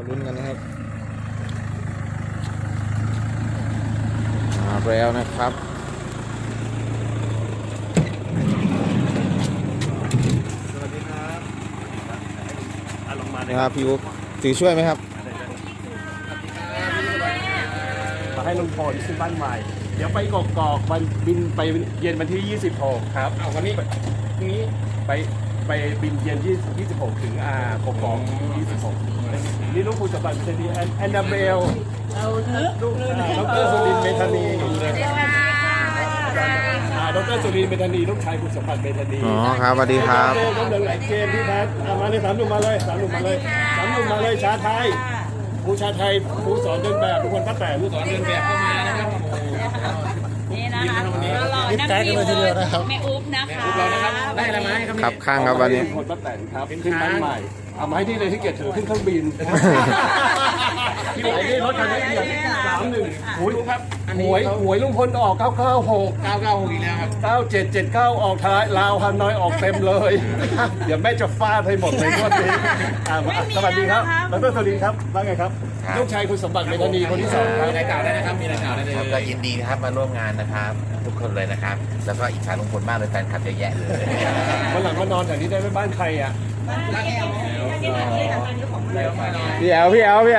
ลุ้นกันนะครับมาแล้วนะครับสวัสดีครับลงมาเลยพี่อุ๊บถือช่วยไหมครับมาให้ลุงพลขึ้นบ้านใหม่ เดี๋ยวไปกอกวันบินไปเย็นวันที่ 26 ครับเอาวันนี้พรุ่งนี้ไปบินเย็นที่26 ถึงกอก26นี่ลูกคุณสมบัติเป็นดีแอนนาเบลลูกดรสุรินทร์เมธานีดรสุรินทร์เมธานีลูกชายคุณสมบัติเมธานีอ๋อครับสวัสดีครับกำลังหลายเกมพี่แพทมาเลย3 หนุ่มมาเลย3 หนุ่มมาเลย3 หนุ่มมาเลยชาไทยครูชาไทยครูสอนเดินแบบทุกคนป้าแต่ครูสอนเดินแบบเข้ามานะครับนี่นะคะรอนักบินเลยแม่อุ๊บนะคะได้อะไรมาให้ครับครับข้างครับวันนี้คนป้าแต่ครับขึ้นบ้านใหม่เอามาให้ที่เลยที่เกียรติถือขึ้นเครื่องบินที่ไหนนี่รถคันนี้เกียรติ31หวยครับหวยลุงพลออก996อีกแล้วครับ9779ออกท้ายลาวฮันน้อยออกเต็มเลยเดี๋ยวแม่จะฟาดให้หมดเลยงวดนี้สวัสดีครับดรสวัสดีครับว่าไงครับลูกชายคุณสมบัติเมธานีคนที่2ครับมีรายการได้นะครับมีรายการได้เลยก็ยินดีนะครับมาร่วมงานนะครับทุกคนเลยนะครับแล้วก็อิจฉาลุงพลมากเลยแฟนคลับเยอะแยะเลยวันหลังมานอนแถวนี้ได้ไหมบ้านใครอ่ะพี่แอล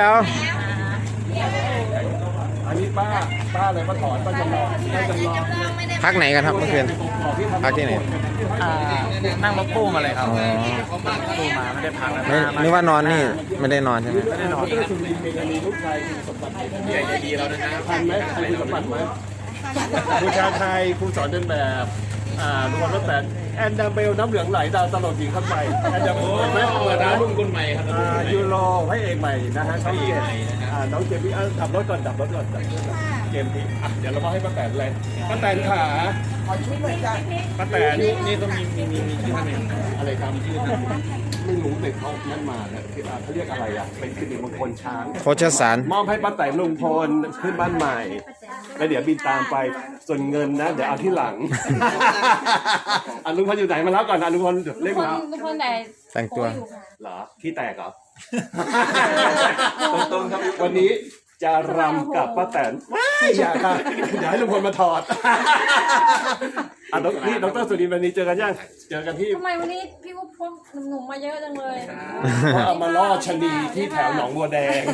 อันนี้ป้าอะไรป้าถอนป้าจำลองพักไหนกันครับเมื่อคืนพักที่ไหนนั่งรถตู้มาเลยครับตู้มาไม่ได้พักนะไม่นึกว่านอนนี่ไม่ได้นอนใช่ไหมไม่ได้นอนสุรินทร์เมธานีลูกชายคุณสมบัติใหญ่ดีเราด้วยนะทันไหมทันคุณสมบัติไหมครูชาไทยครูสอนเดินแบบทุกคนว่าแต่แอนนาเบลน้ำเหลืองไหลดาวตลกหญิงขั้นใหม่แอนนาเบลไหมเปิดร้านรุ่นคนใหม่ครับยูโรให้เอกใหม่นะฮะช่อง7น้องเจมพี่ขับรถก่อนดับรถก่อนเกมที่เดี๋ยวเรามาให้ป้าแตนเลยป้าแตนขาป้าแตนนี่ต้องมีชื่อท่านเองอะไรครับชื่อท่านไม่รู้แต่เขานั่นมาเนี่ยเขาเรียกอะไรอ่ะเป็นสิริมงคลช้างโคชสารมอบให้ป้าแตนลุงพลขึ้นบ้านใหม่แล้วเดี๋ยวบินตามไปส่วนเงินนะเดี๋ยวเอาที่หลังลุงพลอยู่ไหนมาแล้วก่อนลุงพลเล่นมาทุกคนไหนแต่งตัวเหรอขี้แตกเหรอตรงๆครับวันนี้จะรำกับป้าแตนไม่อยากค่ะอยากให้ลุงพลมาถอดนี่ดรสุรินทร์วันนี้เจอกันยังเจอกันที่ทำไมวันนี้พี่อุ๊บพกหนุ่มมาเยอะจังเลยเอามาล่อชะนีที่แถวหนองบัวแดง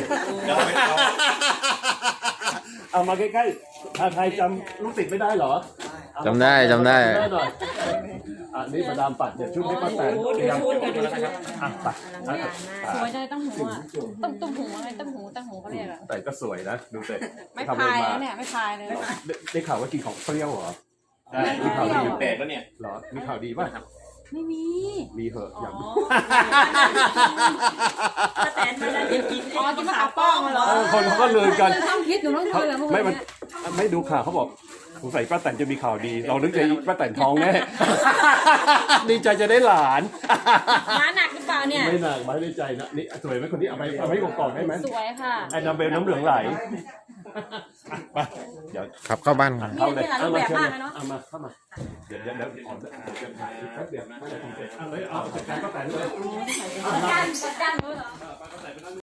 เอามาใกล้ๆชาไทยจำลูกศิษย์ไม่ได้เหรอจำได้หน่อยนี่มาดามปัดเดี๋ยวชุดให้ป้าแตนเตรียมปัดสวยจังตั้งหูอ่ะตั้งหูอะไรตั้งหูเขาเรียกอะแต่ก็สวยนะดูเสร็จไม่พายเนี่ยไม่พายเลยได้ข่าวว่ากินของเปรี้ยวเหรอมีข่าวดีแปลกแล้วเนี่ยเหรอมีข่าวดีป่ะไม่มีมีเหอะอย่างแต่มันจะกินกินมะขามป้องเหรอคนเขาก็ลือกันต้องคิดหนูต้องคุยกับพวกไม่ดูข่าวเขาบอกสงสัยป้าแตนจะมีข่าวดีเรานึกใจป้าแตนท้องแน่ดีใจจะได้หลานม้าหนักหรือเปล่าเนี่ยไม่หนักไม่ได้ใจนะนี่สวยไหมคนนี้เอาไปกอกได้ไหมสวยค่ะไอ้น้ำเบลน้ำเหลืองไหลไปเดี๋ยวขับเข้าบ้านกันเข้าเลยเอามาเข้ามาเดี๋ยวขอจะถ่ายแป๊บเดียวไม่ได้ทำเสร็จเอาเลยเอาจัดการป้าแตนเลยด้านรู้เหรอ